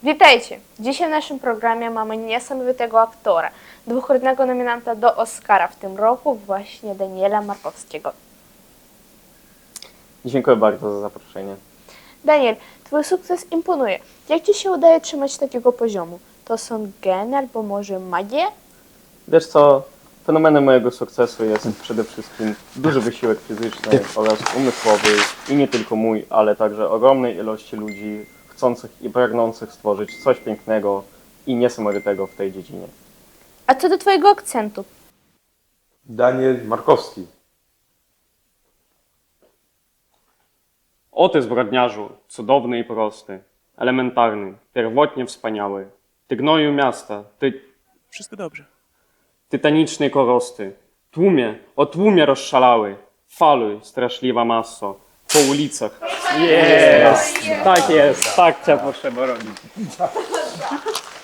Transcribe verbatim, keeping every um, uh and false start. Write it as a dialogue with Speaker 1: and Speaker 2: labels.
Speaker 1: Witajcie! Dzisiaj w naszym programie mamy niesamowitego aktora, dwukrotnego nominanta do Oscara w tym roku, właśnie Daniela Markowskiego.
Speaker 2: Dziękuję bardzo za zaproszenie.
Speaker 1: Daniel, twój sukces imponuje. Jak ci się udaje trzymać takiego poziomu? To są geny albo może magia?
Speaker 2: Wiesz co, fenomenem mojego sukcesu jest przede wszystkim duży wysiłek fizyczny oraz umysłowy i nie tylko mój, ale także ogromnej ilości ludzi chcących i pragnących stworzyć coś pięknego i niesamowitego w tej dziedzinie.
Speaker 1: A co do twojego akcentu?
Speaker 3: Daniel Markowski.
Speaker 4: O ty zbrodniarzu, cudowny i prosty, elementarny, pierwotnie wspaniały. Ty gnoju miasta, ty
Speaker 5: Wszystko dobrze.
Speaker 4: tytanicznej korosty, tłumie, o tłumie rozszalały, faluj, straszliwa maso, po ulicach. Jest! Tak jest, tak cię potrzeba robić.